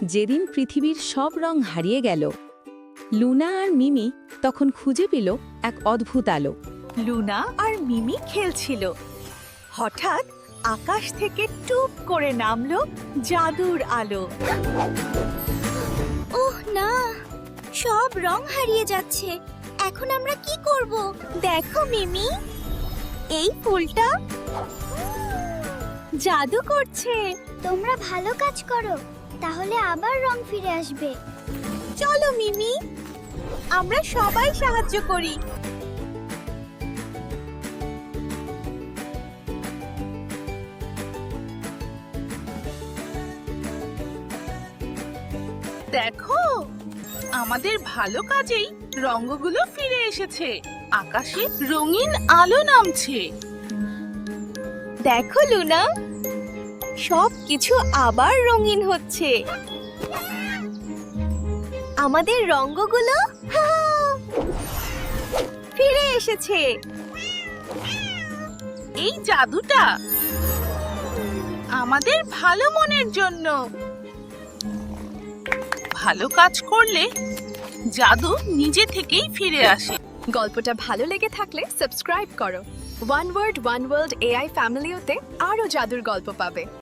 যেদিন পৃথিবীর সব রং হারিয়ে গেল, লুনা আর মিমি তখন খুঁজে পেল এক অদ্ভুত আলো। লুনা আর মিমি খেলছিল। হঠাৎ আকাশ থেকে টুপ করে নামলো জাদুর আলো। ওহ না, সব রং হারিয়ে যাচ্ছে। এখন আমরা কি করব? দেখো মিমি, এই ফুলটা জাদু করছে। তোমরা ভালো কাজ করো, তাহলে আবার রং ফিরে আসবে। চলো মিমি, আমরা সবাই সাহায্য করি। দেখো, আমাদের ভালো কাজেই রঙগুলো ফিরে এসেছে। আকাশে রঙিন আলো নামছে। দেখো লুনা, সব কিছু আবার রঙিন হচ্ছে। আমাদের রঙগুলো ফিরে এসেছে। এই জাদুটা আমাদের ভালো মনের জন্য। ভালো কাজ করলে জাদু নিজে থেকেই ফিরে আসে। গল্পটা ভালো লেগে থাকলে সাবস্ক্রাইব করো। One world one world AI ফ্যামিলিতে আরো জাদুর গল্প পাবে।